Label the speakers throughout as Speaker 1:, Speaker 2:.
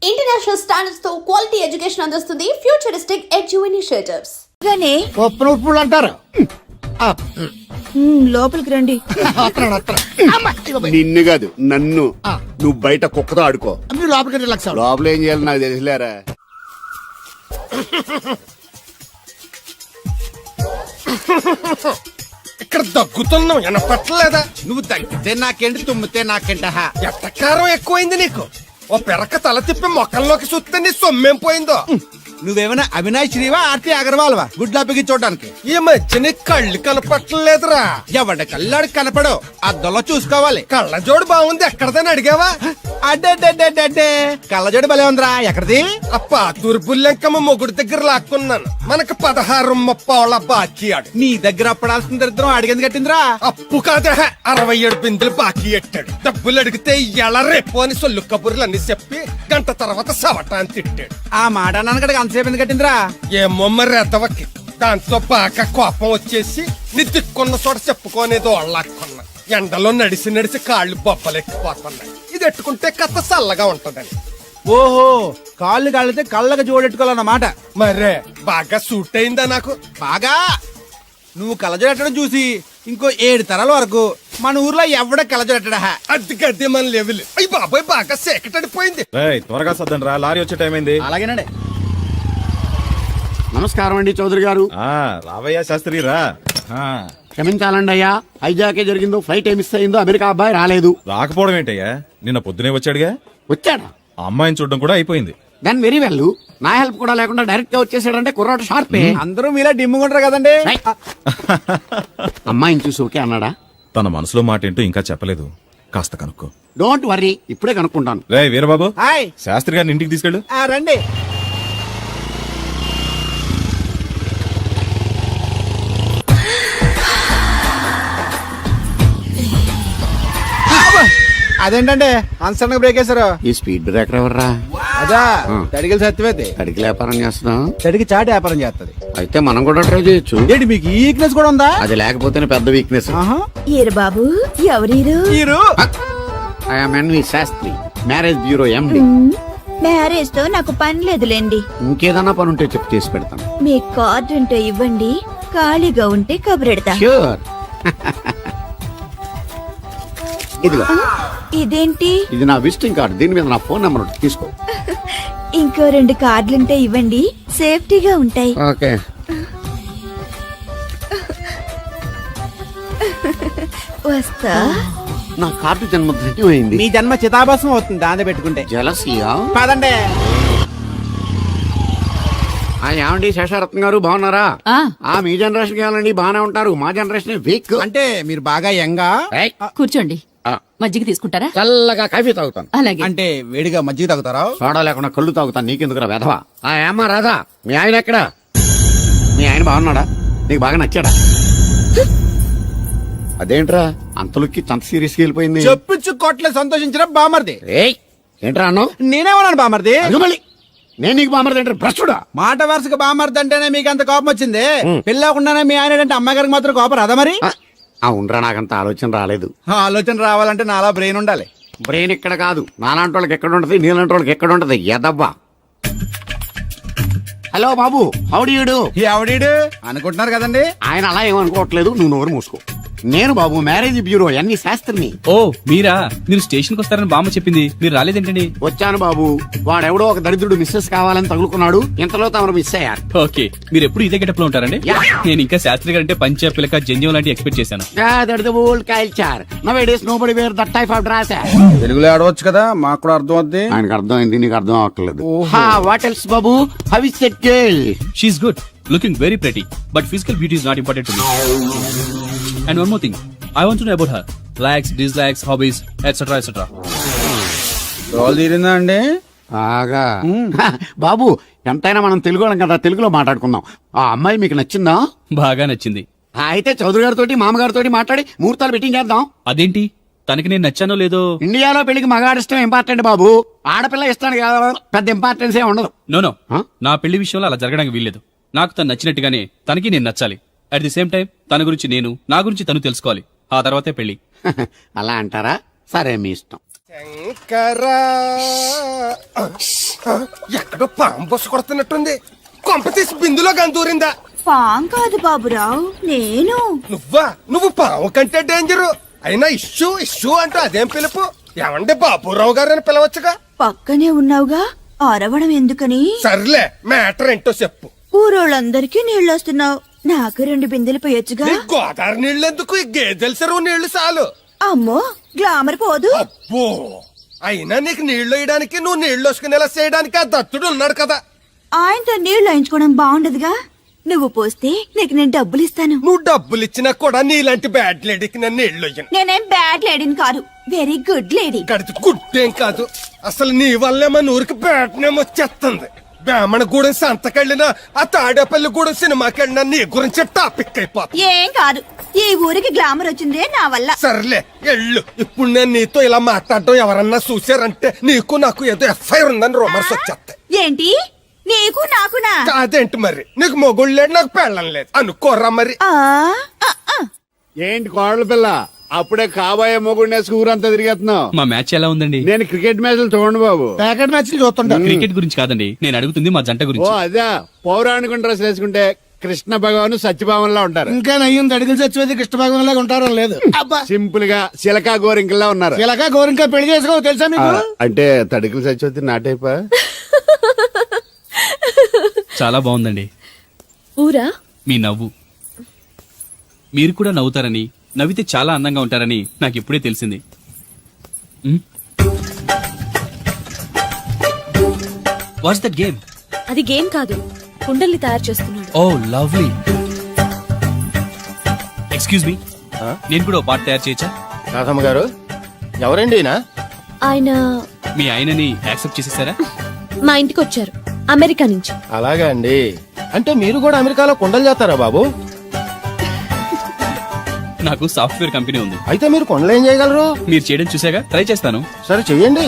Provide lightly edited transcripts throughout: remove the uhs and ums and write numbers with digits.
Speaker 1: International standards తో quality education అందిస్తుంది futuristic edu initiatives.
Speaker 2: ఉప్పులు అంటారు.
Speaker 3: లోపలికి రండి.
Speaker 4: నిన్ను కాదు నన్ను. నువ్వు బయట కుక్కతో ఆడుకో.
Speaker 2: మీరు లోపలికి రిలాక్స్ అవ్వండి.
Speaker 4: లోపల ఏం చేయాలి నాకు తెలిసిలేరా.
Speaker 5: ఇక్కడ దగ్గుతున్నావు వినపట్టలేదా?
Speaker 2: నువ్వు తగ్గితే నాకేంటి, తుమ్మితే నాకేంట.
Speaker 5: ఎట్టకారం ఎక్కువైంది నీకు. ఓ పెరక తల తిప్పి మొక్కల్లోకి చూస్తే నీ సొమ్మేం పోయిందో.
Speaker 2: నువ్వేమైనా అవినాష్ శ్రీవా, ఆర్తి అగర్వాల్వా గుడ్లా చూడడానికి?
Speaker 5: ఈ మధ్య నీ కళ్ళు కనపట్టలేదురా.
Speaker 2: ఎవడ కళ్ళాడు కనపడవు, అద్దంలో చూసుకోవాలి.
Speaker 5: కళ్ళజోడు బాగుంది, ఎక్కడదని అడిగావా?
Speaker 2: అడ్డే కళ్ళజోడు భలే ఉందిరా. ఎక్కడిది?
Speaker 5: ఆ పాతూరు బుల్లెంకమ్మ మొగుడు దగ్గర లాక్కున్నాను. మనకు 16 బాకీ ఆడు.
Speaker 2: నీ దగ్గర అప్పడాల్సిన దరిద్రం అడిగింది కట్టిందిరా.
Speaker 5: అప్పు కాదే 67 బిందులు బాకీ ఎట్టాడు. డబ్బులు అడిగితే ఎలా రేపు అని సొల్లు కబుర్లు అన్ని చెప్పి గంట తర్వాత సవటాన్ని తిట్టాడు.
Speaker 2: ఆ మాట అన్నాను అంతసేపు ఎందుకు కట్టిందిరా?
Speaker 5: ఏమో మరి ఎదవకి. దాంతో బాగా కోపం వచ్చేసి నీ దిక్కున్న చోట చెప్పుకోనేదో వాళ్ళకున్నా. ఎండలో నడిసి నడిసి కాళ్ళు బొబ్బలెక్కిపోతున్నాయి. ఇది ఎట్టుకుంటే కథ చల్లగా ఉంటదని.
Speaker 2: ఓహో, కాళ్ళు కాళ్ళతే కళ్ళగా జోడెట్టుకోవాలన్నమాట.
Speaker 5: మరే బాగా సూట్ అయిందా నాకు?
Speaker 2: బాగా. నువ్వు కళ్ళజోడెట్టడం చూసి ఇంకో 7 తరాల వరకు మన ఊర్లో ఎవడ కళ్ళజోడెట్టడా.
Speaker 5: అది గడ్డి మన లెవెల్. అయ్యి బాబాయ్ బాగా సేకటడిపోయింది.
Speaker 6: త్వరగా సర్దండి రా, లారీ వచ్చే టైం అయింది.
Speaker 2: అలాగేనండి.
Speaker 4: నమస్కారం అండి చౌదరి గారు.
Speaker 6: రావయ్యా శాస్త్రి రా.
Speaker 4: క్షమించాలండి అయ్యా, హైజాకే జరిగిందో, ఫ్లైట్ మిస్ అయిందో, అమెరికా అబ్బాయి రాలేదు.
Speaker 6: రాకపోవడం ఏంటయ్యా, నిన్న పొద్దునే వచ్చాడుగా.
Speaker 4: వచ్చాడా?
Speaker 6: ఆ అమ్మాయిని చూడడం కూడా అయిపోయింది.
Speaker 4: దాని వెరీ వెల్. నా హెల్ప్ కూడా లేకుండా డైరెక్ట్ గా వచ్చేసాడంటే కుర్రాడు షార్పే.
Speaker 2: అందరూ మీలా డిమ్ముకుంటారు కదండి.
Speaker 4: అమ్మాయిని చూసి ఓకే అన్నాడా?
Speaker 6: తన మనసులో మాట ఏంటో ఇంకా చెప్పలేదు, కాస్త కనుక్కో.
Speaker 4: డోంట్ వర్రీ, ఇప్పుడే కనుక్కుంటాను.
Speaker 6: రే వీరబాబు,
Speaker 2: హాయ్.
Speaker 6: శాస్త్రి గారిని ఇంటికి తీసుకెళ్ళు.
Speaker 2: రండి. అదేంటండి అన్సడన్ బ్రేక్ వేశారు?
Speaker 4: ఈ స్పీడ్ బ్రేకర్ ఎవర్రా?
Speaker 2: అదా తడిగిలి సత్యవేది.
Speaker 4: అడిగి వ్యాపారం చేస్తున్నాం.
Speaker 2: తడికి చాటి వ్యాపారం చేస్తది.
Speaker 4: అయితే మనం కూడా ట్రై చేయొచ్చు.
Speaker 2: ఏంటి మీకు ఈ వీక్నెస్ కూడా ఉందా?
Speaker 4: అది లేకపోతేనే పెద్ద వీక్నెస్.
Speaker 3: ఏరు బాబు, ఎవరీరు?
Speaker 2: మీరు
Speaker 4: I'm N V Sastri, marriage bureau MD.
Speaker 3: Marriage తో నాకు పని లేదులేండి.
Speaker 4: ఇంకేదన్నా పని ఉంటే చెప్పి చేసి పెడతాను.
Speaker 3: మీ కార్డు ఉంటే ఇవ్వండి, ఖాళీగా ఉంటే కబురెడతా.
Speaker 4: ష్యూర్. ఇదిగో,
Speaker 3: ఇదేంటి?
Speaker 4: ఇది నా విజిటింగ్ కార్డు. దీని మీద నా ఫోన్ నెంబర్ ఉంటుంది, తీసుకో.
Speaker 3: ఇంకో 2 కార్డులుంటే ఇవ్వండి, సేఫ్టీగా ఉంటాయి.
Speaker 4: ఓకే.
Speaker 3: వస్తా.
Speaker 4: నా కార్డు జన్మ ధన్యమైంది.
Speaker 2: మీ జన్మ చితాభాసం అవుతుంది దాన్ని పెట్టుకుంటే.
Speaker 4: జలసియా?
Speaker 2: కాదండి.
Speaker 4: ఏమండి శేషారత్న గారు, బాగున్నారా? మీ జనరేషన్ కావాలండి, బాగానే ఉంటారు. మా జనరేషన్ వీక్.
Speaker 2: అంటే మీరు బాగా యంగా.
Speaker 7: కూర్చోండి, మజ్జిగ తీసుకుంటారా?
Speaker 4: చల్లగా కాఫీ తాగుతాను.
Speaker 7: అలాగే.
Speaker 2: అంటే వేడిగా మజ్జిగ తాగుతారా?
Speaker 4: సోడా లేకుండా కళ్ళు తాగుతాను. నీకెందుకురా వెధవా? ఏమ్మా రాధా, మీ ఆయన ఎక్కడా? మీ ఆయన బాగున్నాడా? నీకు బాగా నచ్చాడా? అదేంట్రా అంతలోకి అంత సీరియస్ గా వెళ్ళిపోయింది?
Speaker 2: చెప్పించు కొట్లే సంతోషించిన బామర్ది.
Speaker 4: ఏంట్రా అన్నావు?
Speaker 2: నేనేమన్నాను బామర్ది?
Speaker 4: మళ్ళీ నేను నీకు బామర్ది అంటే భ్రష్టుడా?
Speaker 2: మాట వరుసగా బామర్ది అంటేనే మీకు అంత కోపం వచ్చింది. పెళ్ళకుండానే మీ ఆయన అంటే అమ్మగారికి మాత్రం కోపం రాదా మరి?
Speaker 4: అవునరా, నాకంత ఆలోచన రాలేదు.
Speaker 2: ఆలోచన రావాలంటే నాలా బ్రెయిన్ ఉండాలి.
Speaker 4: బ్రెయిన్ ఇక్కడ కాదు, నాలాంటి వాళ్ళకి ఎక్కడ ఉంటది, నీలాంటి వాళ్ళకి ఎక్కడ ఉంటది. ఎదవ్వా. హలో బాబు, హౌడీయుడు.
Speaker 2: ఎవడీడు అనుకుంటున్నారు కదండి.
Speaker 4: ఆయన అలా ఏమనుకోవట్లేదు, నువ్వు నోరు మూసుకో. నేను బాబు మ్యారేజ్ బ్యూరో ఎన్వి శాస్త్రిని.
Speaker 8: ఓ మీరా? మీరు స్టేషన్ కి వస్తారని బామ్మ చెప్పింది, మీరు రాలేదేంటండి?
Speaker 4: వచ్చాను బాబు. వాడెవడో ఒక దరిద్రుడు మిస్సెస్ కావాలని తగులుకున్నాడు, ఇంతలో తమరు మిస్ అయ్యారు.
Speaker 8: ఓకే, మీరు ఎప్పుడు ఇదే గెటప్ లో ఉంటారండి? నేను ఇంకా శాస్త్రి గారు అంటే పంచ పిలక జంజం లాంటి ఎక్స్పెక్ట్ చేశాను.
Speaker 2: తెలుగులో ఆడవచ్చు కదా, మాకు కూడా అర్థం అవుద్ది.
Speaker 4: ఆయనకు అర్థం అయింది, నీకు అర్థం అవ్వట్లేదు. వాట్ ఎల్స్ బాబు? How is that girl?
Speaker 8: She's good, looking very pretty, but physical beauty is not important to me. And one more thing, I want to know about her likes, dislikes, hobbies, etc. etc.
Speaker 2: Role తీరిందా అండి?
Speaker 4: ఆగా బాబు, ఎంతైనా మనం తెలుగు వాళ్ళం కదా, తెలుగులో మాట్లాడుకుందాం. ఆ అమ్మాయి మీకు నచ్చిందా?
Speaker 8: బాగా నచ్చింది.
Speaker 4: అయితే చౌదరి గారితో మామగారితో మాట్లాడి ముహూర్తాలు పెట్టింగ్ చేద్దాం.
Speaker 8: అదేంటి, తనకి నేను నచ్చానో లేదో?
Speaker 4: ఇండియాలో పెళ్లికి మగాడి ఇష్టం ఇంపార్టెంట్ బాబు, ఆడపిల్ల ఇష్టానికి పెద్ద ఇంపార్టెన్స్ ఏ ఉండదు.
Speaker 8: నో నా పెళ్లి విషయంలో అలా జరగడానికి వీల్లేదు. నాకు తను నచ్చినట్టుగానే తనకి నేను నచ్చాలి. అట్ ది సేమ్ టైం తన గురించి నేను, నా గురించి తను తెలుసుకోవాలి. ఆ తర్వాతే పెళ్లి.
Speaker 4: అలా అంటారా? సరే, మీ ఇష్టం.
Speaker 5: శంకరా ఎక్కడో పాము బొస్సు కొడుతున్నట్టుంది. కొంప తీసి బిందులో గందూరిందా?
Speaker 3: పాం కాదు బాబురావు, నేను.
Speaker 5: నువ్వు పాము కంటే డేంజరు. అయినా ఇష్యూ ఇష్యూ అంటూ అదేం పిలుపు? ఏమండి బాబురావు గారు అని పిలవచ్చుగా.
Speaker 3: పక్కనే ఉన్నావుగా, అరవడం ఎందుకని?
Speaker 5: సర్లే, మ్యాటర్ ఏంటో చెప్పు.
Speaker 3: ఊరోళ్ళందరికీ నీళ్ళొస్తున్నావు, నాకు 2 బిందెలు పోయొచ్చుగా.
Speaker 5: నీ గోదావరి నీళ్ళు ఎందుకు? ఈ గేదెల చెరువు నీళ్లు చాలు.
Speaker 3: అమ్మో, గ్లామర్ పోదు.
Speaker 5: అబ్బో, అయినా నీకు నీళ్లు వేయడానికి, నువ్వు నీళ్లు వసుకునేలా చేయడానికి ఆ దత్తుడు ఉన్నాడు కదా.
Speaker 3: ఆయనతో నీళ్లు వేయించుకోవడం బాగుండదుగా. నువ్వు పోస్తే నీకు నేను డబ్బులు ఇస్తాను.
Speaker 5: నువ్వు డబ్బులు ఇచ్చినా కూడా నీలాంటి బ్యాడ్ లేడీకి నేను నీళ్లు వేయను.
Speaker 3: నేనేం బ్యాడ్ లేడీని కాదు, వెరీ గుడ్ లేడీ.
Speaker 5: గడిచి గుడ్డేం కాదు. అసలు నీ వల్లే మన ఊరికి బ్యాడ్ నేమ్ వచ్చేస్తుంది. బ్రాహ్మణగూడెం సంతకెళ్ళినా, ఆ తాడేపల్లిగూడెం సినిమాకెళ్ళినా నీ గురించి టాపిక్ అయిపోతుంది.
Speaker 3: ఏం కాదు, ఈ ఊరికి గ్లామర్ వచ్చిందే నా వల్ల.
Speaker 5: సర్లే ఎళ్ళు. ఇప్పుడు నేను నీతో ఇలా మాట్లాడడం ఎవరన్నా చూసారంటే నీకు నాకు ఏదో ఎఫ్ఐఆర్ ఉందని రూమర్స్ వచ్చేస్తాయి.
Speaker 3: ఏంటి, నీకు నాకునా?
Speaker 5: అదేంటి మరి? నీకు మొగుళ్ళు లేడు, నాకు పెళ్ళం లేదు అనుకోరా మరి.
Speaker 3: ఆ, ఆ, ఆ.
Speaker 4: ఏంటి కోడల పిల్ల, అప్పుడే కాబోయే మొగుడినేసి ఊరంతా తిరిగేస్తున్నావు.
Speaker 8: మా మ్యాచ్ ఎలా ఉందండి?
Speaker 4: నేను క్రికెట్ మ్యాచ్లు చూడండి బాబు.
Speaker 2: ప్యాకెట్ మ్యాచ్లు చూస్తుంటా.
Speaker 8: క్రికెట్ గురించి కాదండి, నేను అడుగుతుంది మా జంట
Speaker 4: ఓ
Speaker 8: గురించి.
Speaker 4: అదే, పౌరాణిక డ్రెస్ వేసుకుంటే కృష్ణ భగవాన్ సత్యభామన్లా ఉంటారు.
Speaker 2: ఇంకా నయ్యం అడిగిన చచ్చిపోతే కృష్ణ భాగం లాగా ఉంటారో లేదు. అబ్బా,
Speaker 4: సింపుల్ గా చిలకా గోరింకల్లా ఉన్నారు.
Speaker 2: ఇలాగా గోరింకా పెళ్లి చేసుకో తెలుసా మీకు?
Speaker 4: అంటే తడికలు చచ్చిపోతే నాటైపా.
Speaker 8: చాలా బాగుందండి
Speaker 1: ఊరా
Speaker 8: మీ నవ్వు. మీరు కూడా నవ్వుతారని, నవ్వితే చాలా అందంగా ఉంటారని నాకు ఇప్పుడే తెలిసింది. What's that game?
Speaker 1: అది గేమ్ కాదు, కుండల్ని తయారు చేస్తున్నాడు.
Speaker 8: Oh lovely. ఎక్స్క్యూజ్ మీ, నేను కూడా ఓ పాట తయారు చేయొచ్చా?
Speaker 9: రాధమ్మ గారు, ఎవరండి ఈయన?
Speaker 1: ఆయన
Speaker 8: మీ ఆయనని యాక్సెప్ట్ చేసేసారా?
Speaker 1: మా ఇంటికి వచ్చారు, అమెరికా నుంచి.
Speaker 9: అలాగా అండి. అంటే మీరు కూడా అమెరికాలో కుండలు చేస్తారా బాబు?
Speaker 8: నాకు సాఫ్ట్వేర్ కంపెనీ ఉంది.
Speaker 9: అయితే మీరు కుండలు ఏం చేయగలరు?
Speaker 8: మీరు చేయడం చూసాగా, ట్రై చేస్తాను.
Speaker 9: సరే చెయ్యండి.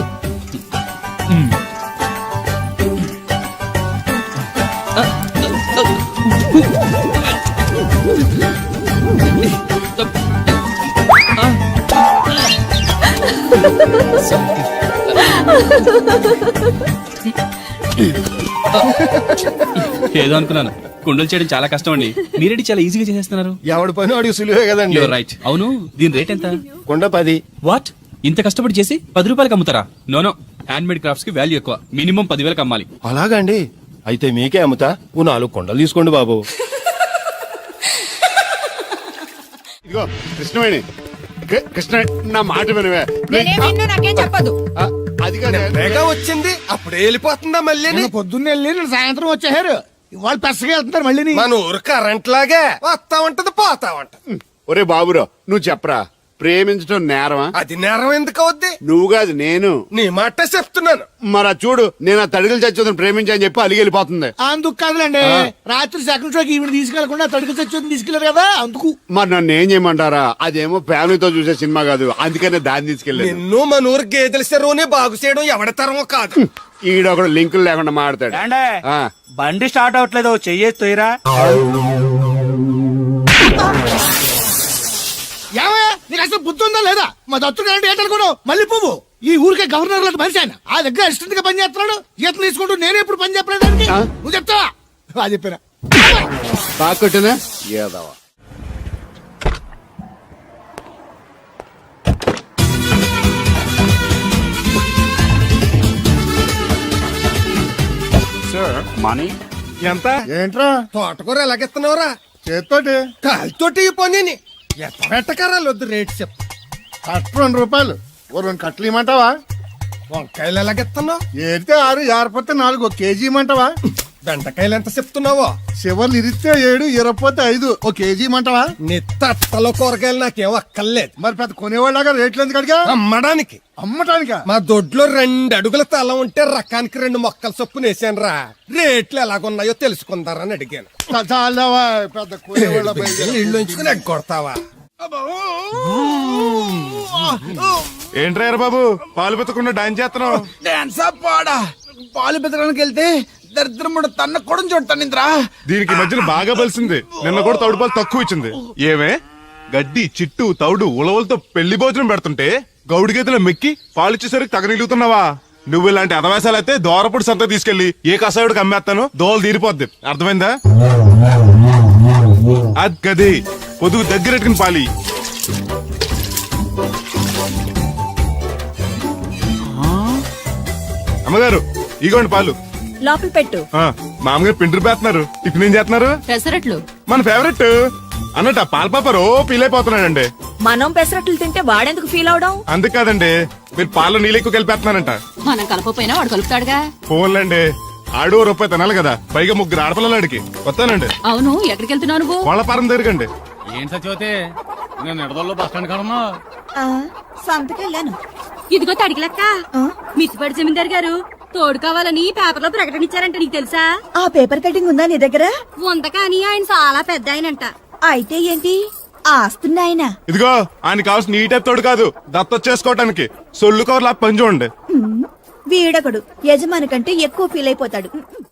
Speaker 8: ఏదో అనుకున్నాను. కుండలు చేయడం చాలా కష్టం అండి, మీరేంటి చాలా ఈజీగా చేసేస్తున్నారు.
Speaker 9: ఎవడి పని వాడికి సులువే కదండి.
Speaker 8: You're right. అవును, దీని రేట్ ఎంత?
Speaker 9: కుండ 10.
Speaker 8: వాట్, ఇంత కష్టపడి చేసి 10 రూపాయలకి అమ్ముతారా? నోనో, హ్యాండ్ మేడ్ క్రాఫ్ట్స్ కి వాల్యూ ఎక్కువ, మినిమం 10,000కి అమ్మాలి.
Speaker 9: అలాగా అండి. అయితే మీకే అమ్ముతా. ఓ 4 కుండలు తీసుకోండి బాబు.
Speaker 4: ఇదిగో కృష్ణవేణి, కృష్ణ నా మాట వినవే.
Speaker 3: నాకేం చెప్పదు.
Speaker 4: అది కాదు,
Speaker 5: వేగా వచ్చింది, అప్పుడే వెళ్ళిపోతుందా మళ్ళీ?
Speaker 2: నిన్న పొద్దున్నే వెళ్ళి నిన్న సాయంత్రం వచ్చేసారు. వాళ్ళు పెసగా వెళ్తున్నారు మళ్ళీ.
Speaker 5: మన ఊరు కరెంట్ లాగే వస్తా ఉంటది, పోతా ఉంటది.
Speaker 4: ఒరే బాబురావు, నువ్వు చెప్పరా, ప్రేమించడం నేరమా?
Speaker 5: అది నేరం ఎందుకు అవుద్ది?
Speaker 4: నువ్వు కాదు నేను.
Speaker 5: నీ మాట చెప్తున్నాను.
Speaker 4: మరి చూడు, నేను ఆ తడికలు చచ్చి ప్రేమించని చెప్పి అలిగి వెళ్ళిపోతుంది.
Speaker 2: అందుకు కాదులేండి, రాత్రి సెకండ్ షోకి ఈవిడ తీసుకెళ్లకుండా తడికి చచ్చి తీసుకెళ్లారు కదా అందుకు.
Speaker 4: మరి నన్ను ఏం చేయమంటారా? అదేమో ఫ్యామిలీతో చూసే సినిమా కాదు, అందుకనే దాన్ని తీసుకెళ్ళలేదు.
Speaker 5: నిన్ను మన ఊరు గేదెల చెరువుని బాగు చేయడం ఎవరి తరమో కాదు.
Speaker 4: ఈడొకడు లింకులు లేకుండా మాడతాడు. ఆ,
Speaker 10: బండి స్టార్ట్ అవట్లేదు, చెయ్యేసి తోయరా.
Speaker 2: ఏమయ్యా, నీకు అసలు బుద్ధి ఉందా లేదా? మా దత్తుడు అంటే ఏంటనుకోను, మళ్ళీ పువ్వు. ఈ ఊరికే గవర్నర్ లాంటి మనిషి ఆయన. ఆ దగ్గర అసిస్టెంట్ గా పని చేస్తున్నాడు, జీతం తీసుకుంటూ నేను ఎప్పుడు పని చెప్పలేదానికి. నువ్వు చెప్తావా? అది చెప్పారా?
Speaker 4: బాగా కొట్టినా ఏదవా.
Speaker 9: మనీ
Speaker 5: ఎంత?
Speaker 2: ఏంట్రా
Speaker 5: తోటకూర ఎలాగెత్తున్నావురా?
Speaker 2: చేత్తోటి
Speaker 5: కాలితోటి ఈ పని ఎట్టకరాలు వద్దు, రేట్ చెప్పు.
Speaker 2: కట్ట 2 రూపాయలు, ఓ 2 కట్టలు ఇమ్మంటావా?
Speaker 5: వంకాయలు ఎలాగెత్తున్నావు?
Speaker 2: ఏడితే 6, జారిపోతే 4, 1 కేజీ ఇమ్మంటావా?
Speaker 5: బెండకాయలు ఎంత చెప్తున్నావో?
Speaker 2: చివర్లు ఇరిస్తే 7, ఇరపోతే 5, 1 కేజీ ఇమ్మంటావా?
Speaker 5: నీ తట్టలో కూరగాయలు నాకేం అక్కర్లేదు.
Speaker 2: మరి పెద్ద కొనేవాళ్ళగా రేట్లు ఎందుకు అడిగా?
Speaker 5: అమ్మడానికి.
Speaker 2: అమ్మటానికా?
Speaker 5: మా దొడ్లో 2 అడుగుల తల ఉంటే రకానికి 2 మొక్కల చొప్పున వేసాను రా. రేట్లు ఎలాగున్నాయో తెలుసుకుందారని అడిగాను.
Speaker 2: చాలావా, పెద్ద కొనేవాళ్ళ
Speaker 5: ఇల్లు ఉంచుకుని ఎగ్గొడతావా?
Speaker 9: ఏంట్రా బాబు, పాలు పెత్తకుండా డాన్స్ చేస్తున్నావు?
Speaker 2: డాన్సా పాడా? పాలు పెతకడానికి వెళ్తే దరిద్రముడు తన్న కూడా చూడతానింద్రా.
Speaker 9: దీనికి మధ్యన బాగా బలిసింది. నిన్న కూడా తౌడు పాలు తక్కువ ఇచ్చింది. ఏమే గడ్డి చిట్టు తౌడు ఉలవలతో పెళ్లి భోజనం పెడుతుంటే గౌడి గేదెలో మెక్కి పాలిచ్చేసరికి తగనిలుగుతున్నావా? నువ్వు ఇలాంటి అదవేశాలు అయితే దోరపుడు సంత తీసుకెళ్లి ఏ కసాయుడికి అమ్మేస్తాను, దోలు తీరిపోద్ది. అర్థమైందా? అది గది పొదుగు దగ్గరెట్టుకుని పాలి. అమ్మగారు ఇగోండి పాలు.
Speaker 3: లోపల పెట్టు.
Speaker 9: మామగారు పిండి పేస్తున్నారు. టిఫిన్ ఏం చేస్తున్నారు?
Speaker 7: పెసరట్లు.
Speaker 9: మన ఫేవరెట్ అన్నట్టు పాల పాప ఫీల్ అయిపోతున్నాడండి.
Speaker 3: మనం పెసరట్లు తింటే వాడెందుకు ఫీల్ అవడం?
Speaker 9: అందుకు కాదండి, మీరు పాలలో నీళ్ళు ఎక్కువ కలిపేస్తున్నారంట.
Speaker 7: మనం కలపపోయినా వాడు కలుపుతాడుగా.
Speaker 9: ఫోన్లండి, ఆడు రూపాయి తినాలి కదా, పైగా 3 ఆడపిల్లలాడికి. వస్తానండి.
Speaker 7: అవును, ఎక్కడికి వెళ్తున్నావు నువ్వు?
Speaker 9: కోళ్ళపారం దగ్గరకండి.
Speaker 4: ఏం సచివతే నేను నిడదల్లో బస్ స్టాండ్ కాడన్నా
Speaker 3: సంతకెళ్ళాను.
Speaker 7: ఇదిగో తడికిలక్క, మిచ్చిపడి జమీందార్ గారు తోడు కావాలని పేపర్లో ప్రకటన ఇచ్చారంట. నీకు తెలుసా?
Speaker 3: ఆ పేపర్ కటింగ్ ఉందా నీ దగ్గర?
Speaker 7: ఉంద కానీ ఆయన చాలా పెద్ద ఆయనంట.
Speaker 3: అయితే ఏంటి ఆస్తున్నాయన?
Speaker 9: ఇదిగో ఆయన కావాల్సిన నీ టైప్ తోడు కాదు, దత్త చేసుకోవటానికి. సొల్లు కవర్లా పని చూడండి.
Speaker 3: వీడకడు యజమాని కంటే ఎక్కువ ఫీల్ అయిపోతాడు.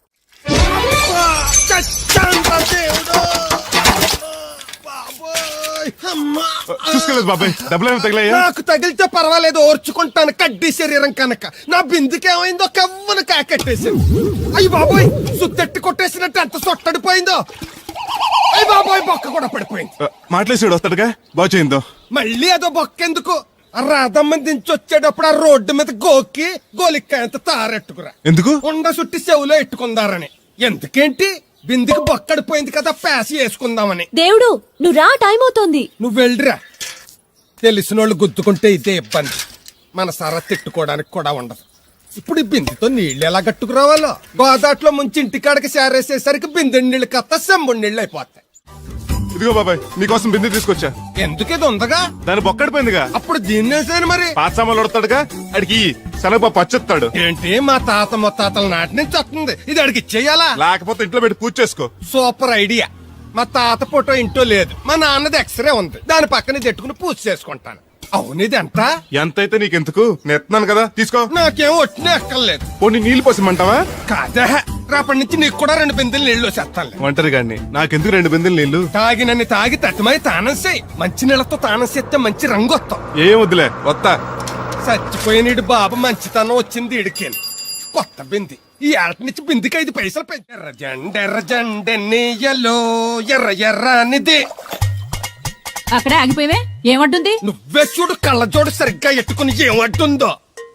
Speaker 9: చూసుకోలేదు బాబాయ్, డబ్బులు ఏమి తగిలాయా?
Speaker 5: నాకు తగిలితే పర్వాలేదు, ఓర్చుకుంటాను. కడ్డీ శరీరం కనుక నా బిందుకేమైందో కవ్వను కాకెట్టేసింది. అయ్యి బాబోయ్, సుత్తెట్టి కొట్టేసినట్టు ఎంత సొట్టడిపోయిందో. అయ్యి బాబోయ్, బొక్క కూడా పడిపోయింది.
Speaker 9: మాట్లాడేసాడు వస్తాడుగా, బాగు చేయిందో.
Speaker 5: మళ్ళీ అదో బొక్కెందుకు? రాధమ్మ దించి వచ్చేటప్పుడు ఆ రోడ్డు మీద గోకి గోలిక్కాయంత తారెట్టుకురా.
Speaker 9: ఎందుకు?
Speaker 5: ఉండ సుట్టి చెవులో ఎట్టుకుందారని. ఎందుకేంటి? బిందుకి బొక్కడిపోయింది కదా, పేసి వేసుకుందామని.
Speaker 3: దేవుడు నువ్వు రా, టైం అవుతోంది.
Speaker 5: నువ్వు వెళ్ళిరా. తెలిసినోళ్ళు గుద్దుకుంటే ఇదే ఇబ్బంది. మన సర తిట్టుకోవడానికి కూడా ఉండదు. ఇప్పుడు ఈ బిందెతో నీళ్లు ఎలా గట్టుకురావాలో. గోదాట్లో ముంచి ఇంటికాడకి సేరేసేసరికి బిందె నీళ్లు కత్త సెంబుడి నీళ్లు అయిపోతాయి.
Speaker 9: ఇదిగో బాబాయ్, నీకోసం బిందె తీసుకొచ్చా.
Speaker 5: ఎందుకు ఇది ఉందగా?
Speaker 9: దాని బొక్కడిపోయిందిగా.
Speaker 5: అప్పుడు దీన్నేసాను మరి.
Speaker 9: పాత సామాన్లు వడతాడుగా, అడిగి శనగపప్పు పచ్చొత్తాడు.
Speaker 5: ఏంటి మా తాత ముత్తాతల నాటి నుంచి వస్తుంది, ఇది అడిగి ఇచ్చేయాలా?
Speaker 9: లేకపోతే ఇంట్లో పెట్టి పూజ చేసుకో.
Speaker 5: Super idea. మా తాత ఫోటో ఇంట్లో లేదు, మా నాన్నది ఎక్స్రే ఉంది, దాని పక్కన తెట్టుకుని పూజ చేసుకుంటాను. అవును, ఇది ఎంత?
Speaker 9: ఎంతైతే నీకెందుకు, నెత్తున్నాను కదా, తీసుకో.
Speaker 5: నాకేం ఒట్టినే ఎక్కర్లేదు.
Speaker 9: పోనీ నీళ్ళు పోసిమంటావా?
Speaker 5: కాదా, రేపటి నుంచి నీకు కూడా 2 బిందెలు నీళ్లు వచ్చేస్తాను.
Speaker 9: ఒంటరి గాని నాకెందుకు 2 బిందెలు నీళ్లు?
Speaker 5: తాగినన్ని తాగి తట్టుమై తానం చేయి. మంచి నీళ్లతో తానం చేస్తే మంచి రంగు వస్తాం.
Speaker 9: ఏం వద్దులే, వస్తా.
Speaker 5: చచ్చిపోయిన బాబు మంచితనం వచ్చింది ఇడికేని. కొత్త బింది ఈ ఆట నుంచి బిందికి 5 పైసలు పెంచి. ఎర్రజెండెన్నీయలో ఎర్ర ఎర్రనిది.
Speaker 7: అక్కడే ఆగిపోయావే, ఏమంటుంది?
Speaker 5: నువ్వే చూడు, కళ్ళజోడు సరిగ్గా ఎట్టుకుని ఏమంటుందో.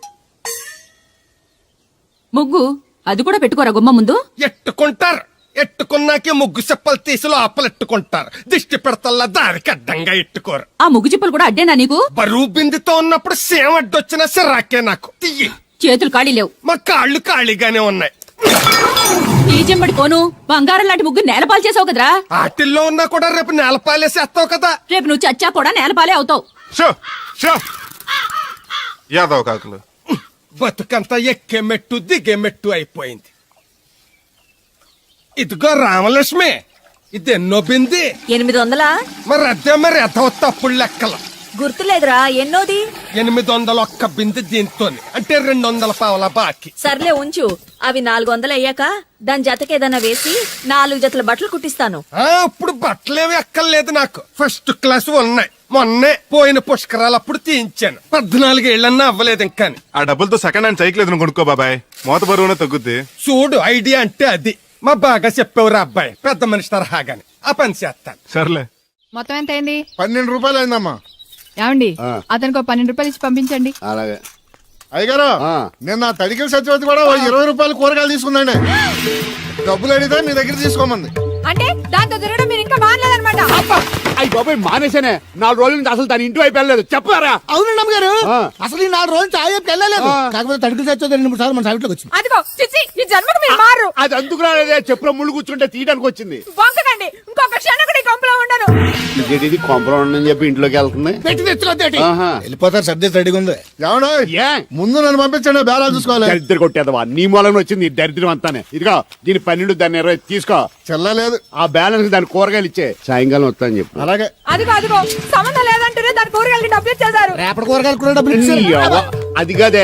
Speaker 7: ముగ్గు అది కూడా పెట్టుకోరా గుమ్మ ముందు.
Speaker 5: ఎట్టుకుంటారు. ఎట్టుకున్నాకే ముగ్గు చెప్పలు తీసి లోపలెట్టుకుంటారు. దిష్టి పెడతల్లా దారికి అడ్డంగా ఎట్టుకోరు.
Speaker 7: ఆ ముగ్గు చిప్పలు కూడా అడ్డేనా నీకు?
Speaker 5: బరువు బిందుతో ఉన్నప్పుడు సేమ అడ్డొచ్చినా సిరాకే నాకు. తీయి.
Speaker 7: చేతులు ఖాళీ లేవు.
Speaker 5: మా కాళ్ళు ఖాళీగానే ఉన్నాయి.
Speaker 7: ఈ చెంబడి కోను బంగారం లాంటి ముగ్గు నేలపాలు చేసావు కదరా.
Speaker 5: ఆటిల్లో ఉన్నా కూడా రేపు నేలపాలేసేస్తావు కదా.
Speaker 7: రేపు నువ్వు చచ్చా కూడా నేలపాలే అవుతావు.
Speaker 9: షో షో యాదవ్ కాకులు.
Speaker 5: బతుకంతా ఎక్కే మెట్టు దిగే మెట్టు అయిపోయింది. ఇదిగో రామలక్ష్మి, ఇది ఎన్నో బింది?
Speaker 3: 800.
Speaker 5: మరి అదే మరి తప్పుడు లెక్కలు.
Speaker 3: గుర్తులేదురా, ఎన్నోది?
Speaker 5: 801 బింది దీంతో, అంటే 200 పావలా బాకీ.
Speaker 3: సర్లే ఉంచు. అవి 400 అయ్యాక దాని జతకేదన్నా వేసి 4 జతల బట్టలు కుట్టిస్తాను.
Speaker 5: ఇప్పుడు బట్టలేవి ఎక్కర్లేదు నాకు. ఫస్ట్ క్లాస్ ఉన్నాయి. మొన్నే పోయిన పుష్కరాలు అప్పుడు తీయించాను. 14 ఏళ్ళన్నా అవ్వలేదు ఇంకా.
Speaker 9: ఆ డబ్బులతో సెకండ్ హ్యాండ్ సైకిల్ ఏదైనా కొనుక్కో బాబాయ్, మోత బరువునే తగ్గుద్ది.
Speaker 5: చూడు, ఐడియా అంటే అది. మా బాగా చెప్పేవారు అబ్బాయి, పెద్ద మనిషి తరహాగాని. ఆ పని చేస్తాను.
Speaker 9: సర్లే.
Speaker 11: మొత్తం ఎంత అయింది?
Speaker 2: 12 రూపాయలు అయిందమ్మా.
Speaker 11: ఏమండి, అతనికి 12 రూపాయలు ఇచ్చి పంపించండి.
Speaker 4: అలాగే.
Speaker 2: అయ్యగారు, నిన్న తడికిల సత్యవతి కూడా 20 రూపాయలు కూరగాయలు తీసుకుందండి. డబ్బులు అడిగితే నీ దగ్గర తీసుకోమంది.
Speaker 11: అంటే దాంతో తిరగడం మీరు ఇంకా మానలేదన్నమాట.
Speaker 4: అయ్యి బాబాయ్, మానేసానే. 4 రోజుల నుంచి అసలు దాని ఇంటి వైపు వెళ్ళలేదు. చెప్పారా?
Speaker 2: అవునండి అమ్మగారు, అసలు ఈ 4 రోజులు చాయకి వెళ్ళలేదు. కాకపోతే తడికిల సత్యవతి 2-3 సార్లు మన సైట్లోకి వచ్చింది.
Speaker 11: అదిగో చిచ్చి, ఈ జన్మకు మీరు మారు.
Speaker 4: అది అందుకు రాలేదే, చెప్పులో ముళ్ళు కూర్చుంటే తీయడానికి వచ్చింది.
Speaker 11: వంకకండి, ఇంకొక క్షణం కూడా ఈ కొంపలో ఉండను.
Speaker 4: ఇది కొంపరం ఉండని చెప్పి ఇంట్లోకి వెళ్తుంది.
Speaker 2: పెట్టి తెచ్చుకోద్దేటి, వెళ్ళిపోతారు. సర్ది రెడీగా ఉంది. ఏమన్నా ముందు నన్ను పంపించండి, బేరాలు చూసుకోవాలి.
Speaker 4: దరిద్ర కొట్టేదవా, నీ మూలంగా వచ్చింది ఈ దరిద్రం అంతానే. ఇదిగో దీని 12, దాన్ని 20 తీసుకో.
Speaker 2: చెల్లలేదు.
Speaker 4: ఆ బ్యాలెన్స్ దాని కూరగాయలు ఇచ్చే, సాయంకాలం వస్తాను చెప్పు.
Speaker 2: అలాగే.
Speaker 11: అదిగో అదిగో, సంబంధం లేదంటూనే దాని కూరగాయలకి డబ్బులు ఇచ్చేశారు.
Speaker 2: రేపటి కూరగాయలు కూడా డబ్బులు ఇచ్చారు.
Speaker 4: అది కదే,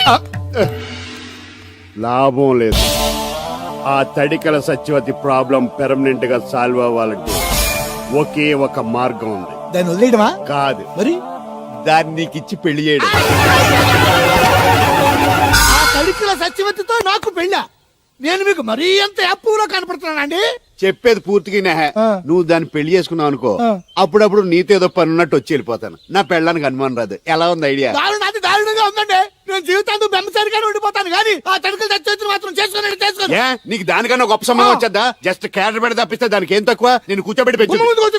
Speaker 4: లాభం లేదు. ఆ తడికల సత్యవతి ప్రాబ్లం పెర్మనెంట్ గా సాల్వ్ అవ్వాలంటే ఒకే ఒక మార్గం ఉంది.
Speaker 2: దాన్ని వదిలేయడమా?
Speaker 4: కాదు
Speaker 2: మరి
Speaker 4: దాన్ని నీకిచ్చి పెళ్లి చేయడం.
Speaker 2: ఆ తడికిల సత్యవతితో నాకు పెళ్ళా? నేను మీకు మరీ ఎంత అప్పులో కనపడుతున్నానండి?
Speaker 4: చెప్పేది పూర్తిగా నెహ. నువ్వు దాన్ని పెళ్లి చేసుకున్నావు అనుకో, అప్పుడప్పుడు నీతో ఏదో పని ఉన్నట్టు వచ్చి వెళ్ళిపోతాను. నా పెళ్ళానికి అనుమానం రాదు. ఎలా ఉంది ఐడియా?
Speaker 2: అది దారుణంగా ఉందండి. నేను జీవితాంతం బెమ్మసారిగానే ఉండిపోతాను కానీ ఆ తడికలు సత్యవతిని మాత్రం చేసుకోండి.
Speaker 4: ఏ నీకు దానికన్నా గొప్ప సంబంధం వచ్చేద్దా? జస్ట్ క్యారెట్ పెడితే తప్పిస్తే దానికి ఏం తక్కువ? నేను కూర్చోబెట్టి పెంచు.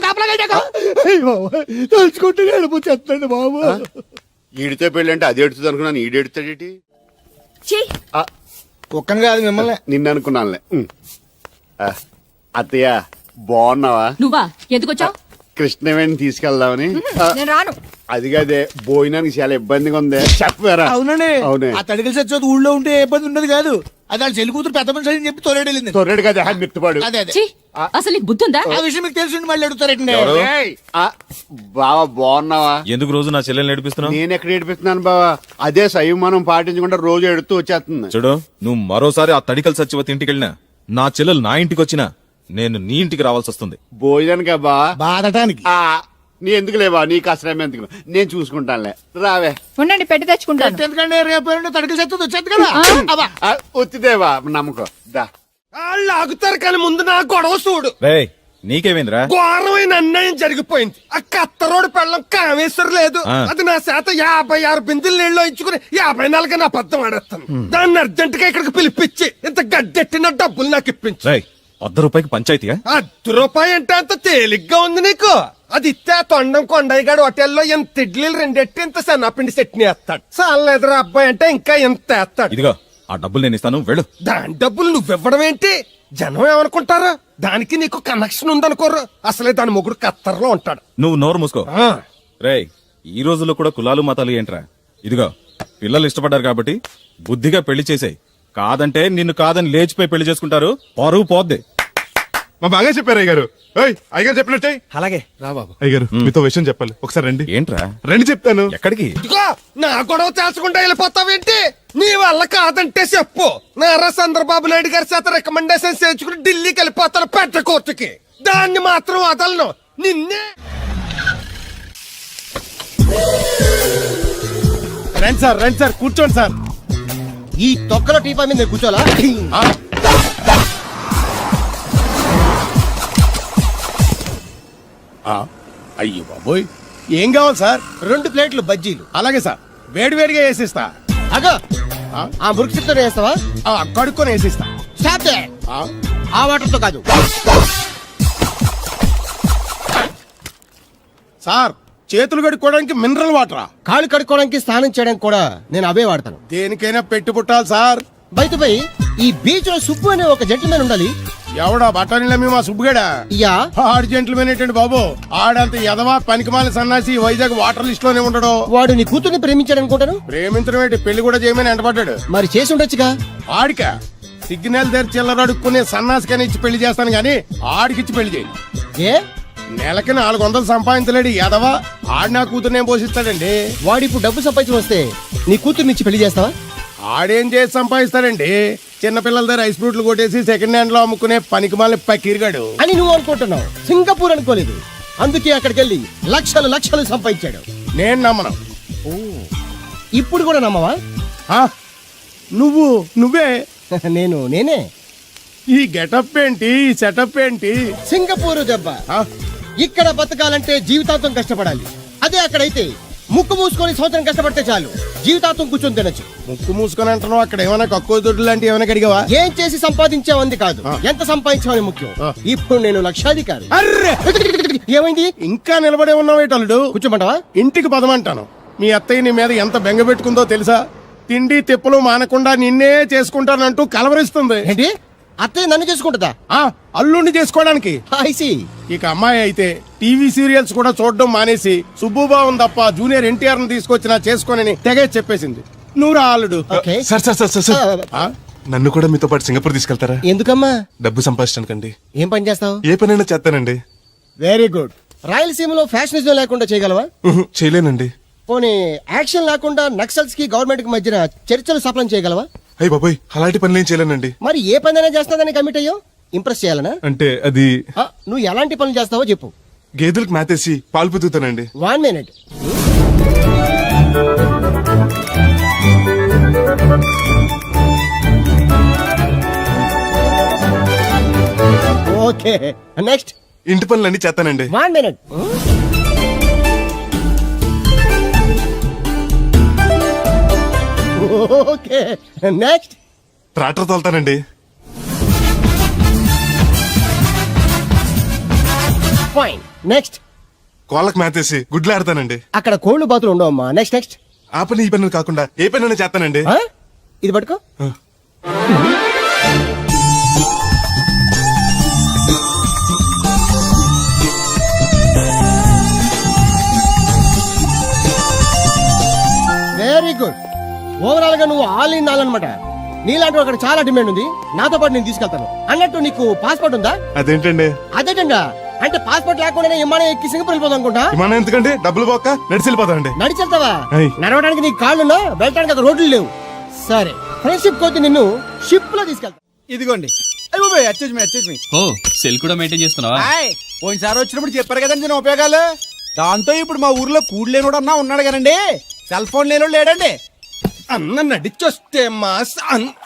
Speaker 2: తలుచుకుంటే వెళ్ళిపోతుంది బాబు.
Speaker 4: ఈడితో పెళ్ళి అంటే అది ఎడుతుంది అనుకున్నాను, ఈడు ఎడుతాడేటి?
Speaker 3: ఛీ,
Speaker 2: ఒక్కని కాదు మిమ్మల్ని.
Speaker 4: నిన్ను అనుకున్నానులే. అత్తయ్య బాగున్నావా?
Speaker 7: నువ్వా ఎందుకు వచ్చావు?
Speaker 4: కృష్ణవేణి తీసుకెళ్దామని.
Speaker 11: నేను రాను.
Speaker 4: అది కాదే, భోజనానికి చాలా ఇబ్బందిగా ఉంది. చెప్పారా?
Speaker 2: అవునండి.
Speaker 4: అవునే.
Speaker 2: ఆ తడికలు సత్యవతి ఊళ్ళో ఉంటే ఏ ఇబ్బంది ఉండదు కాదు. అది వాళ్ళ చెల్లి కూతురు పెద్ద మనిషి అని చెప్పి తోలేడెళ్ళింది.
Speaker 4: తొర్రెడు కదా మిత్తుపాడు.
Speaker 2: అదే అదే.
Speaker 7: ఛీ, అసలు నీకు బుద్ధి ఉందా?
Speaker 2: ఆ విషయం మీకు తెలిసి మళ్ళీ అడుగుతారండి.
Speaker 4: బావా బాగున్నావా?
Speaker 6: ఎందుకు రోజు నా చెల్లెల్ని నడిపిస్తున్నావు?
Speaker 4: నేను ఎక్కడ ఏడిపిస్తున్నాను బావా? అదే సంయమనం పాటించకుండా రోజు ఎడుతూ వచ్చేస్తుంది.
Speaker 6: చూడు, నువ్వు మరోసారి ఆ తడికల సత్యవతి ఇంటికి వెళ్ళినా, నా చెల్లెలు నా ఇంటికి వచ్చినా, నేను నీ ఇంటికి రావాల్సి వస్తుంది.
Speaker 4: భోజనానికి బా
Speaker 2: బాధటానికి.
Speaker 4: నీ ఎందుకు లేవా? నీకు అసలు ఎందుకు? నేను చూసుకుంటానులే. రావే.
Speaker 11: ఉండండి పెట్టి తెచ్చుకుంటాను.
Speaker 2: ఎందుకంటే రేపు తడికలు సత్యవతి వచ్చేది కదా. అబ్బా.
Speaker 4: వచ్చిదేవా నమ్మకం. దా
Speaker 5: వాళ్ళు ఆగుతారు కానీ ముందు నా గొడవ చూడు.
Speaker 6: రేయ్, నీకేమైందిరా?
Speaker 5: ఘోరమైన అన్యాయం జరిగిపోయింది. ఆ కత్తరోడు పెళ్ళం కామేశ్వర లేదు. అది నా చేత 56 బిందులు నీళ్ళు ఇచ్చుకుని 54 నా అబద్ధం ఆడేస్తాను. దాన్ని అర్జెంట్ గా ఇక్కడికి పిలిపించి ఇంత గడ్డెట్టిన డబ్బులు నాకు ఇప్పించు.
Speaker 6: రేయ్, ₹100 పంచాయతీయా?
Speaker 5: ₹1 అంటే అంత తేలిగ్గా ఉంది నీకు? అది ఇస్తే తొండం కొండయ్యగాడు హోటల్లో ఎంత ఇడ్లీలు 2 ఎట్టి ఇంత సన్నపిండి చట్నీ వేస్తాడు. చాలేదురా అబ్బాయి అంటే ఇంకా ఎంత వేస్తాడు.
Speaker 6: ఇదిగో ఆ డబ్బులు నేను ఇస్తాను, వెళ్ళు.
Speaker 5: దాని డబ్బులు నువ్వివ్వడం ఏంటి? జనం ఏమనుకుంటారు? దానికి నీకు కనెక్షన్ ఉందనుకోరు. అసలే దాని మొగుడు కత్తర్లో ఉంటాడు.
Speaker 6: నువ్వు నోరు మూసుకో. రేయ్, ఈ రోజుల్లో కూడా కులాలు మతాలు ఏంట్రా? ఇదిగో పిల్లలు ఇష్టపడ్డారు కాబట్టి బుద్ధిగా పెళ్లి చేసాయి. కాదంటే నిన్ను కాదని లేచిపోయి పెళ్లి చేసుకుంటారు. పరువు పోద్ది.
Speaker 9: మా బాగా చెప్పారు అయ్యగారు. అయ్యగారు చెప్పినట్టే.
Speaker 10: అలాగే రా బాబు.
Speaker 9: అయ్యగారు మీతో విషయం చెప్పాలి, ఒకసారి రండి.
Speaker 6: ఏంట్రా?
Speaker 9: రండి చెప్తాను.
Speaker 6: ఎక్కడికి?
Speaker 5: ఇదిగో నా గొడవ తేల్చకుండా వెళ్ళిపోతావేంటి? నీ వల్ల కాదంటే చెప్పు. నారా చంద్రబాబు నాయుడు గారి చేత రికమెండేషన్ చేయించుకుని ఢిల్లీకి వెళ్ళిపోతాను పెద్ద కోర్టుకి. దాన్ని మాత్రం వదలను. నిన్నే.
Speaker 2: రండి సార్ కూర్చోండి సార్.
Speaker 5: ఈ తొక్కలో టీపా మీద కూర్చోలా?
Speaker 2: అయ్యో బాబోయ్, ఏం కావాలి సార్?
Speaker 5: 2 ప్లేట్లు బజ్జీలు.
Speaker 2: అలాగే సార్, వేడివేడిగా వేసిస్తా.
Speaker 5: అగో ఆ మురికి వేస్తావా?
Speaker 2: కడుక్కొని వేసిస్తా.
Speaker 5: స్టాప్ దే. ఆ వాటర్ తో కాదు
Speaker 2: సార్, చేతులు కడుక్కోవడానికి మినరల్ వాటరా?
Speaker 5: కాళ్ళు కడుక్కోవడానికి స్నానం చేయడానికి కూడా నేను అవే వాడతాను.
Speaker 2: దేనికైనా పెట్టి పుట్టాలి సార్.
Speaker 5: బయటపై ఈ బీచ్ లో సుబ్బు అనే ఒక జెంటిల్మెన్ ఉండాలి.
Speaker 2: ఎవడా బఠానీల మా సుబ్బుగడా?
Speaker 5: యా.
Speaker 2: ఆడు జెంట్లమేన్ ఏంటండి బాబు? ఆడంత ఎదవా పనికిమాల సన్నాసి వైజాగ్ వాటర్ లిస్ట్ లోనే ఉండడు.
Speaker 5: వాడు నీ కూతుర్ని ప్రేమించాడు అనుకుంటాను.
Speaker 2: ప్రేమించడం ఏంటి, పెళ్లి కూడా చేయమని ఎంటపడ్డాడు.
Speaker 5: మరి చేసి ఉండొచ్చుగా.
Speaker 2: ఆడిక సిగ్నల్ దగ్గర చిల్లర అడుక్కునే సన్నాసికని ఇచ్చి పెళ్లి చేస్తాను గానీ ఆడికిచ్చి పెళ్లి చేయి.
Speaker 5: ఏ
Speaker 2: నెలకి 400 సంపాదించలేడు ఎదవా. ఆడి నా కూతురు నేను పోషిస్తాడండి.
Speaker 5: వాడు ఇప్పుడు డబ్బు సంపాదించి వస్తే నీ కూతుర్ని ఇచ్చి పెళ్లి చేస్తావా?
Speaker 2: ఆడేం చేసి సంపాదిస్తాడండి? చిన్నపిల్లల దగ్గర ఐస్ ఫ్రూట్లు కొట్టేసి సెకండ్ హ్యాండ్ లో అమ్ముకునే పనికిమాలని పక్కిరిగాడు
Speaker 5: అని నువ్వు అనుకుంటున్నావు. సింగపూర్ అనుకోలేదు. అందుకే అక్కడికి వెళ్ళి లక్షలు సంపాదించాడు.
Speaker 2: నేను నమ్మను.
Speaker 5: ఇప్పుడు కూడా నమ్మవా?
Speaker 2: నువ్వే
Speaker 5: నేనే.
Speaker 2: ఈ గెటప్ ఏంటి, ఈ సెటప్ ఏంటి?
Speaker 5: సింగపూర్ దెబ్బ. ఇక్కడ బతకాలంటే జీవితాంతం కష్టపడాలి. అదే అక్కడైతే ముక్కు మూసుకొని సంవత్సరం కష్టపడితే చాలు, జీవితాంతం కూర్చొని తినచ్చు.
Speaker 2: ముక్కు మూసుకొని అంటున్నావు, అక్కడ ఏమైనా కక్కువ దొడ్డు లాంటి ఏమైనా అడిగావా?
Speaker 5: ఏం చేసి సంపాదించావంది కాదు, ఎంత సంపాదించావని ముఖ్యం. ఇప్పుడు నేను లక్షాధికారి.
Speaker 2: అర్రే,
Speaker 5: ఏమైంది?
Speaker 2: ఇంకా నిలబడే ఉన్నావేటల్లుడు?
Speaker 5: కూర్చోమంటావా?
Speaker 2: ఇంటికి పదమంటాను. మీ అత్తయ్య నీ మీద ఎంత బెంగ పెట్టుకుందో తెలుసా? తిండి తిప్పలు మానకుండా నిన్నే చేసుకుంటానంటూ కలవరిస్తుంది.
Speaker 5: ఏంటి? అత్తయ్య నన్ను చేసుకుంటుందా?
Speaker 2: అల్లుడిని చేసుకోవడానికి.
Speaker 5: ఐసి.
Speaker 2: ఇక అమ్మాయి అయితే టీవీ సీరియల్స్ కూడా చూడడం మానేసి సుబ్బుబాబుని తప్ప జూనియర్ ఎన్టీఆర్ ని తీసుకొచ్చినా చేసుకోనని తెగే చెప్పేసింది. నువ్వు రా అల్లుడు.
Speaker 9: సార్ నన్ను కూడా మీతో పాటు సింగపూర్ తీసుకెళ్తారా?
Speaker 5: ఎందుకమ్మా?
Speaker 9: డబ్బు సంపాదించడానికండి.
Speaker 5: ఏం పని చేస్తావు?
Speaker 9: ఏ పనైనా చేస్తానండి.
Speaker 5: Very good. రాయలసీమలో ఫ్యాషనిజం లేకుండా చేయగలవా?
Speaker 9: చేయలేనండి.
Speaker 5: పోనీ యాక్షన్ లేకుండా నక్సల్స్ కి గవర్నమెంట్ కి మధ్యన చర్చలు సఫలం చేయగలవా?
Speaker 9: అయ్యి బాబాయ్, అలాంటి పనులు ఏం చేయలేనండి.
Speaker 5: మరి ఏ పనైనా చేస్తాదని కమిట్ అయ్యో? ఇంప్రెస్ చేయాలనా?
Speaker 9: అంటే అది
Speaker 5: నువ్వు ఎలాంటి పనులు చేస్తావో చెప్పు.
Speaker 9: గేదెలకు మేతేసి పాలు పొద్దుతానండి.
Speaker 5: 1 minute. ఓకే నెక్స్ట్
Speaker 9: ఇంటి పనులన్నీ చేస్తానండి.
Speaker 5: 1 minute. ఓకే నెక్స్ట్
Speaker 9: ట్రాక్టర్ తోలుతానండి.
Speaker 5: ఫైన్ నెక్స్ట్
Speaker 9: కోళ్ళకి మేతేసి గుడ్లు ఆడతానండి.
Speaker 5: అక్కడ కోళ్ళు బాతులు ఉండవమ్మా. నెక్స్ట్ నెక్స్ట్
Speaker 9: ఆ పని ఈ పనులు కాకుండా ఏ పని చేస్తానండి.
Speaker 5: ఇది పట్టుకో. Very good. ఓవరాల్ గా నువ్వు ఆల్ ఇన్ ఆల్ అనమాట. నీలాంటి అక్కడ చాలా డిమాండ్ ఉంది. నాతో పాటు నేను తీసుకెళ్తాను. అన్నట్టు నీకు పాస్పోర్ట్ ఉందా?
Speaker 9: అదేంటండి?
Speaker 5: అదేటంగా అంటే పాస్పోర్ట్ లేకుండానే విమానం ఎక్కి సింగపూర్ వెళ్ళిపోతాం అనుకుంటా.
Speaker 9: విమానం ఎందుకండి? డబ్బులు పోక నడిచి వెళ్ళిపోతానండి.
Speaker 5: నడిచి వెళ్తావా?
Speaker 9: అయ్.
Speaker 5: నడవడానికి నీకు కాళ్ళున్నా, వెళ్ళడానికి అక్కడ రోడ్లు లేవు. సరే, ఫ్రెండ్షిప్ కోతి నిన్ను షిప్ లో తీసుకెళ్తా.
Speaker 10: ఇదిగోండి.
Speaker 8: ఓ సెల్ కూడా మెయింటైన్ చేస్తున్నావా?
Speaker 10: పోయినసారి వచ్చినప్పుడు చెప్పారు కదండి నేను ఉపయోగాలు. దాంతో ఇప్పుడు మా ఊర్లో కూడు లేనోడు అన్నా ఉన్నాడు కదండి. సెల్ ఫోన్ లేనోడు లేడండి.
Speaker 5: అన్న నడిచొస్తే మాస్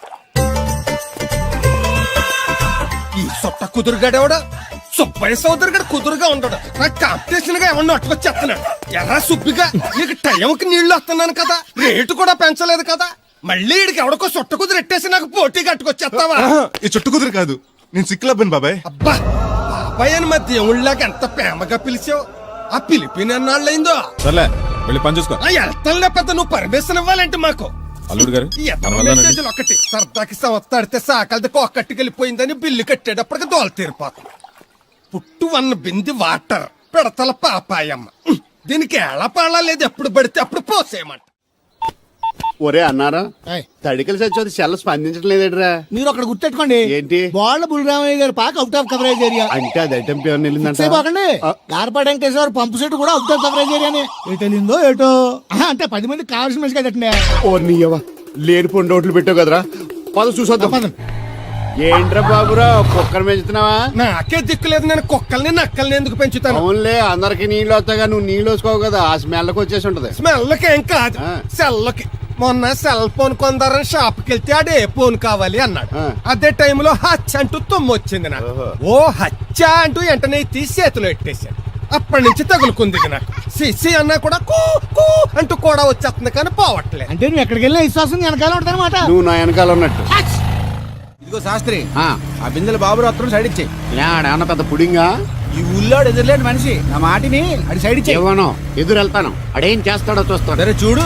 Speaker 5: ఈ సొట్ట కుదురుగాడేవాడు సుబ్బయ్య సోదరు గడు కుదురుగా ఉంటాడు. నాకు కాంపిటీషన్ గా ఏమన్నా అట్టుకొచ్చేస్తున్నాడు. ఎర్రా సుబ్బిగా నీకు టైంకి నీళ్లు వస్తున్నాను కదా, రేటు కూడా పెంచలేదు కదా, మళ్ళీ ఇడికి ఎవడికో సొట్ట కుదురు ఎట్టేసి నాకు పోటీ కట్టుకొచ్చేస్తావా?
Speaker 9: ఈ చుట్టు కుదురు కాదు, నేను సిక్కులబ్బాను బాబాయ్.
Speaker 5: అబ్బా బాబాయ్ అని మా దేవుళ్ళకి ఎంత ప్రేమగా పిలిచావు. ఆ పిలిపిన ఎన్నాళ్ళైందో.
Speaker 6: సర్లే వెళ్ళి పని చూసుకో.
Speaker 5: వెళ్తానులే పెద్ద, నువ్వు పర్మిషన్ ఇవ్వాలంటే మాకు.
Speaker 6: అల్లుడు గారు
Speaker 5: ఈ ఎత్తన
Speaker 6: మన వల్ల
Speaker 5: మెసేజ్లు ఒకటి సరదాకి సంవత్సరాడితే సాకలది కొక్కట్టుకెళ్ళిపోయిందని బిల్లు కట్టేటప్పటికి దోల తీరిపోతుంది. పుట్టు వన్న బింది వాటర్ పెడతల పాపాయమ్మ. దీనికి ఎలా పాడా లేదు, ఎప్పుడు పడితే అప్పుడు పోసేయమంట.
Speaker 4: ఒరే అన్నారా,
Speaker 2: ఏయ్.
Speaker 4: తడికలు చచ్చి సెల్ల స్పందించడం లేదట్రా.
Speaker 2: మీరు అక్కడ గుర్తెట్టుకోండి.
Speaker 4: ఏంటి?
Speaker 2: బాళ్ళ బుల్రామయ్య గారి పాక అవుట్ ఆఫ్ కవరేజ్ ఏరియా.
Speaker 4: అంటే అది ఐటమ్ పేరు వెళ్ళిందంట.
Speaker 2: పోకండి. గార్పాడు వెంకటేశ్వర పంపు సెట్ కూడా అవుట్ ఆఫ్ కవరేజ్ ఏరియానే. ఎటు వెళ్ళిందో ఏటో. అంటే 10 మంది కావాల్సిన మనిషి కదండి.
Speaker 4: ఓ నీయవా, లేని పొండి రోడ్లు పెట్టావు కదరా. పద చూసొద్దాం. ఏంట్రా బాబురా, కుక్కర్ పెంచుతున్నావా?
Speaker 5: నాకే దిక్కులేదు, నేను కుక్కల్ని నక్కల్ని ఎందుకు పెంచుతాను?
Speaker 4: అవునులే, అందరికి నీళ్ళు వస్తాగా, నువ్వు నీళ్ళు వేసుకోవు కదా, ఆ స్మెల్కి వచ్చేసి ఉంటది.
Speaker 5: స్మెల్కి ఏం కాదు,
Speaker 4: ఆ.
Speaker 5: సెల్కి. మొన్న సెల్ ఫోన్ కొందరని షాప్కి వెళ్తే ఆడే ఫోన్ కావాలి అన్నాడు.
Speaker 4: ఆ.
Speaker 5: అదే టైంలో హచ్చ అంటూ తుమ్ము వచ్చింది నాకు. ఓ హచ్చ అంటూ వెంటనే తీసి చేతిలో ఎట్టేశాను. అప్పటి నుంచి తగులుకుంది ఇది నాకు. సిసి అన్నా కూడా కూ కూ అంటూ కూడా వచ్చేస్తుంది కానీ పోవట్లేదు.
Speaker 2: అంటే నువ్వు ఎక్కడికి వెళ్ళినా విశ్వాసం వెనకాల ఉంటదన్నమాట.
Speaker 4: నువ్వు నా వెనకాల ఉన్నట్టు.
Speaker 10: ఇదిగో శాస్త్రి, ఆ బిందెల బాబు రత్నం సైడ్ ఇచ్చే.
Speaker 4: ఏమన్నా పెద్ద పుడింగా?
Speaker 10: ఈ ఊళ్ళో ఎదురులేని మనిషి, నా మాటిని అది సైడ్ ఇచ్చే.
Speaker 4: ఇవ్వను, ఎదురు వెళ్తాను, అడేం చేస్తాడో చూస్తాడు.
Speaker 10: సరే చూడు.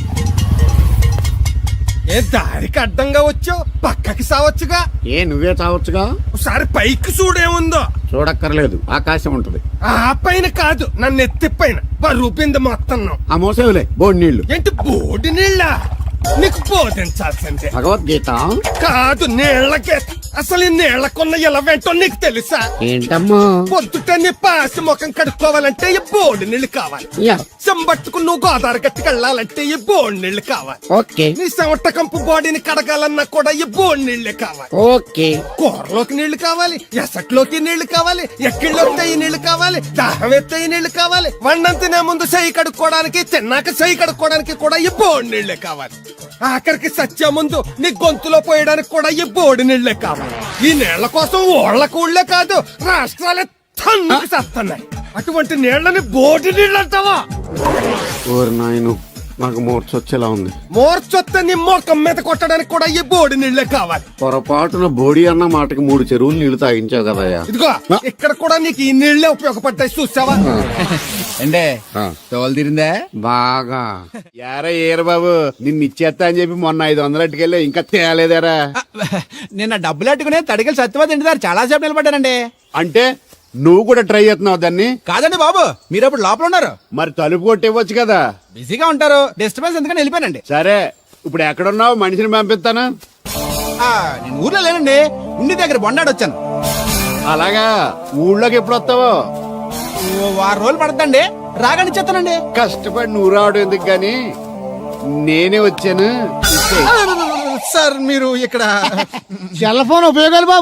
Speaker 5: ఏ దారికి అడ్డంగా వచ్చావు, పక్కకి సావచ్చుగా.
Speaker 4: ఏ నువ్వే చావచ్చుగా.
Speaker 5: ఒకసారి పైకి చూడేముందో.
Speaker 4: చూడక్కర్లేదు, ఆకాశం ఉంటది.
Speaker 5: ఆ పైన కాదు, నన్ను ఎత్తి పైన రూపింది మొత్తం.
Speaker 4: ఆ మోసేవులే బోడి నీళ్లు.
Speaker 5: ఏంటి బోడి నీళ్ళ? నీకు బోధించాల్సిందే.
Speaker 4: భగవద్గీత
Speaker 5: కాదు, నీళ్ళకే. అసలు ఈ నీళ్ళకున్న ఇలా వెంటో నీకు తెలుసా?
Speaker 4: ఏంటమ్మా?
Speaker 5: పొద్దుట నీ పాసి ముఖం కడుక్కోవాలంటే ఈ బోడి నీళ్లు కావాలి.
Speaker 4: యా.
Speaker 5: చెంబట్టుకు నువ్వు గోదావరి గట్టుకు వెళ్ళాలంటే ఈ బోడి నీళ్లు కావాలి.
Speaker 4: ఓకే
Speaker 5: నీ చెమట కంపు బాడీని కడగాలన్నా కూడా ఈ బోడి నీళ్లే కావాలి.
Speaker 4: ఓకే.
Speaker 5: కూరలోకి నీళ్లు కావాలి, ఎసట్లోకి నీళ్లు కావాలి, ఎక్కిళ్ళొస్తే ఈ నీళ్లు కావాలి, దాహం ఎత్తే ఈ నీళ్లు కావాలి. వండం తినే ముందు చెయ్యి కడుక్కోవడానికి, తిన్నాక చెయ్యి కడుక్కోవడానికి కూడా ఈ బోడి నీళ్లే కావాలి. ఆఖరికి సత్య ముందు నీ గొంతులో పోయడానికి కూడా ఈ బోడి నీళ్లే కావాలి. ఈ నీళ్ల కోసం ఓళ్లకు ఊళ్ళే కాదు, రాష్ట్రాలే తన్నుకు చేస్తున్నాయి. అటువంటి నీళ్లని బోడి నీళ్ళు అంటావా?
Speaker 4: ఓరి నాయను, నాకు మూర్చొచ్చేలా ఉంది.
Speaker 5: మోర్చొత్తే నీ మోకం మీద కొట్టడానికి కూడా ఈ బోడి నీళ్లే కావాలి.
Speaker 4: పొరపాటున బోడి అన్న మాటకి 3 చెరువులు నీళ్లు తాగించావు కదయ్యా.
Speaker 5: ఇదిగో ఇక్కడ కూడా నీకు ఈ నీళ్లే ఉపయోగపడతాయి, చూసావా?
Speaker 10: అంటే
Speaker 4: ఆ.
Speaker 10: తోలు తీరిందా?
Speaker 4: బాగా. యారా ఏరు బాబు, నిన్ను ఇచ్చేస్తా అని చెప్పి మొన్న 500 అట్టుకెళ్ళి ఇంకా తేలేదారా?
Speaker 10: నిన్న డబ్బులు అట్టుకునే తడికలు సత్యవతి ఇంటి దగ్గర చాలా సేపు నిలబడ్డానండి.
Speaker 4: అంటే నువ్వు కూడా ట్రై చేస్తున్నావు దాన్ని?
Speaker 10: కాదండి బాబు, మీరు అప్పుడు లోపల ఉన్నారు.
Speaker 4: మరి తలుపు కొట్టివ్వచ్చు కదా.
Speaker 10: బిజీగా ఉంటారు, డిస్టర్బెన్స్ ఎందుకని వెళ్ళిపోయానండి.
Speaker 4: సరే, ఇప్పుడు ఎక్కడున్నావు? మనిషిని పంపిస్తాను.
Speaker 10: నేను ఊర్లో లేనండి, ఇంటి దగ్గర బొండాడు వచ్చాను.
Speaker 4: అలాగా, ఊళ్ళోకి ఎప్పుడు వస్తావో?
Speaker 10: 2 వారం రోజులు పడుతుందండి, రాగానే చెప్తానండి.
Speaker 4: కష్టపడి నువ్వు రావడం ఎందుకు గాని, నేనే వచ్చాను.
Speaker 10: సార్ మీరు ఇక్కడ
Speaker 2: సెల్ ఫోన్ ఉపయోగాలు బాబు.